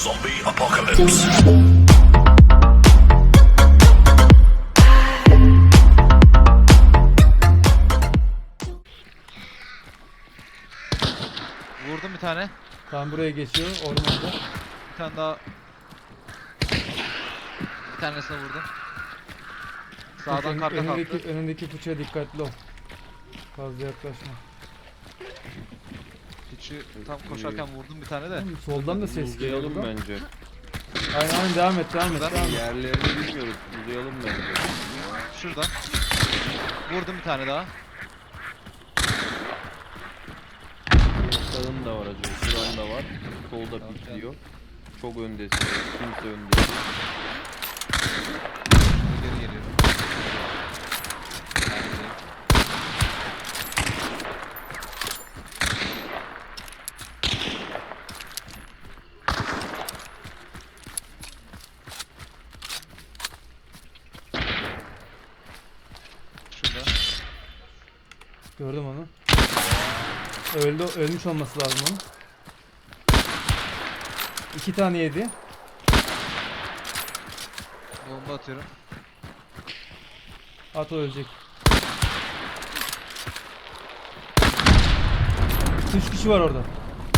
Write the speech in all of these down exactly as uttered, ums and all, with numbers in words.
Zombie apocalypse. Vurdum bir tane. Tam buraya geçiyor ormanda. Bir tane daha. Bir tanesine vurdum. Sağdan Ön- karga önündeki, kalktı. önündeki fıçıya dikkatli ol. Fazla yaklaşma. Hiçi tam koşarken vurdum bir tane de. Oğlum, soldan da ses geliyor. Uzayalım buradan. bence. Aynen aynen devam et devam et Buradan devam et. Yerlerini bilmiyoruz. Uzayalım bence. Şuradan. Vurdum bir tane daha. Sağın da var acaba. Şuran da var. Solda Tamam, pikliyor. Çok öndesin. Kimse önde değil. Geri geliyorum. Neredeyim? Şurada. Gördüm onu. Öldü, ölmüş olması lazım onun. İki tane yedi. Bomba atıyorum. At o ölecek. Üç kişi var orada.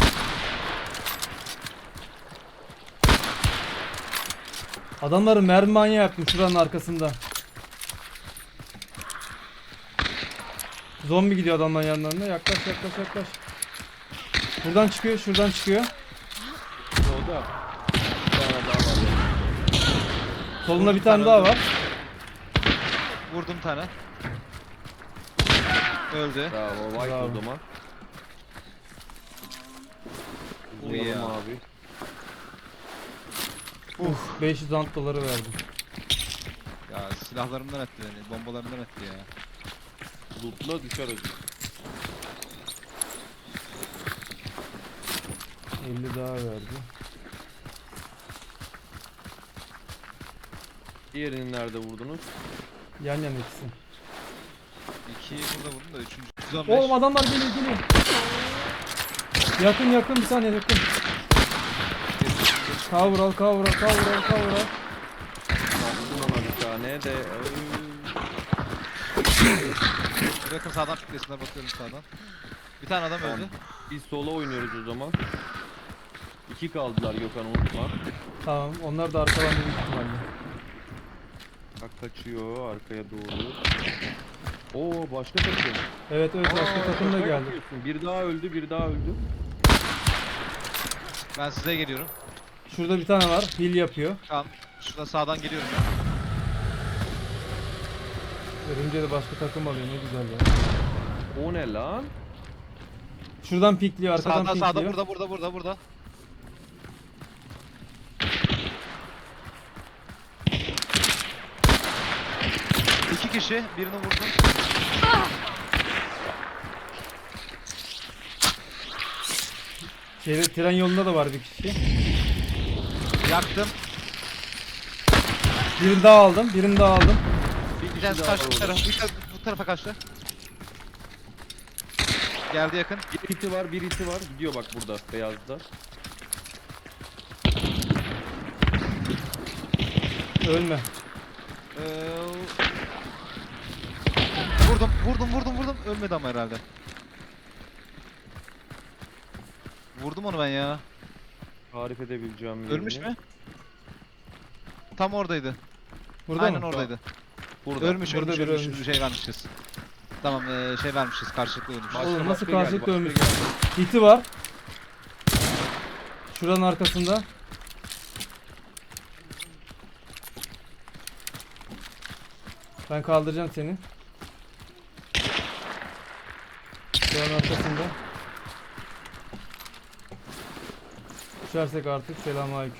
Adamların mermi manyağı yaptım şuranın arkasında. Zombi gidiyor adamların yanlarına. Yaklaş yaklaş yaklaş. Buradan çıkıyor, şuradan çıkıyor. Solda. Bir tane daha var. Solunda bir tane daha var. Vurdum bir tane. Öldü. Bravo. White Bravo. o zaman. Oh Uzayalım yeah. abi. Uf, beş yüz ant doları verdim. Ya silahlarımdan etti beni. Bombalarımdan etti ya. Lootla düşer acı. elli daha verdi. Diğerini nerede vurdunuz? Yan yana ikisi. İkiyi burada vurdum da üçüncü. yüz on beş. Oğlum adamlar geliyor geliyor. Yakın yakın bir saniye yakın. Cover al cover al cover al cover al. Baktım ona bir tane de. Bırakın sağdan piklesinler, bakıyorum sağdan. Bir tane adam öldü. Biz sola oynuyoruz o zaman. İki kaldılar Gökhan, unutma. Tamam onlar da arkadan büyük ihtimalle. Bak kaçıyor arkaya doğru. Oo başka takım. Evet evet başka Aa, takım da şaka geldi. yapıyorsun. Bir daha öldü, bir daha öldü. Ben size geliyorum. Şurada bir tane var. Heal yapıyor. Tamam. Şurada sağdan geliyorum ben. Örümce de başka takım alıyor ne güzel ya. O ne lan? Şuradan pikliyor arkadan Sağda pikliyor. sağda burada burada burada burada. İki kişi, birini vurdum. Şeyde, tren yolunda da var bir kişi. Yaktım. Birini daha aldım. Birini daha aldım. Bir Bir kişi tanesi daha var kaçtı bu orada. tarafa, bir tane bu tarafa kaçtı. Geldi yakın. Bir iti var, bir iti var. Gidiyor bak burada, beyazda. Ölme. Ee, vurdum, vurdum, vurdum, vurdum. Ölmedi ama herhalde. Vurdum onu ben ya. Tarif edebileceğim yerini. Ölmüş mü? Tam oradaydı. Burada Aynen mı? oradaydı. Burada. Ölmüş, Burada ölmüş, biri ölmüş, ölmüş. Şey vermişiz. Tamam, ee, şey vermişiz, karşılıklı ölmüş. Başka, Oğlum nasıl başka geldi, karşılıklı başka ölmüş? geldi. İti var. Şuranın arkasında. Ben kaldıracağım seni. Şuranın arkasında. Düşersek artık selamünaleyküm.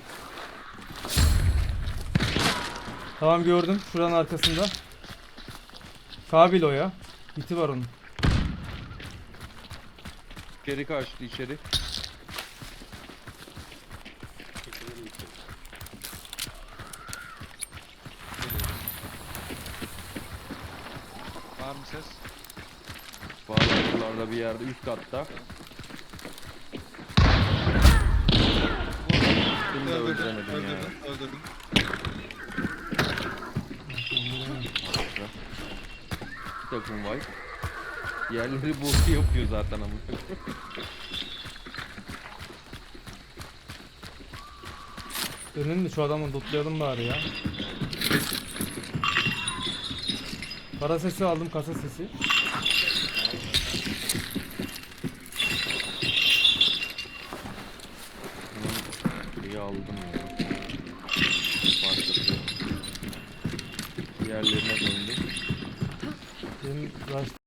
Tamam gördüm. Şuranın arkasında. Kabil o ya. İti var onun. İçeri kaçtı, içeri. Var mı ses? Var buralarda bir yerde, üst katta. Bunu da Öldü. dönün. Harika. Bir takım var. Yerleri boşu yapıyor zaten ama. Dönün de şu adamı lootlayalım bari ya. Para sesi aldım, kasa sesi. Bunun şeyi aldım ya. Başladı. Yerlerine döndüm. Benim rush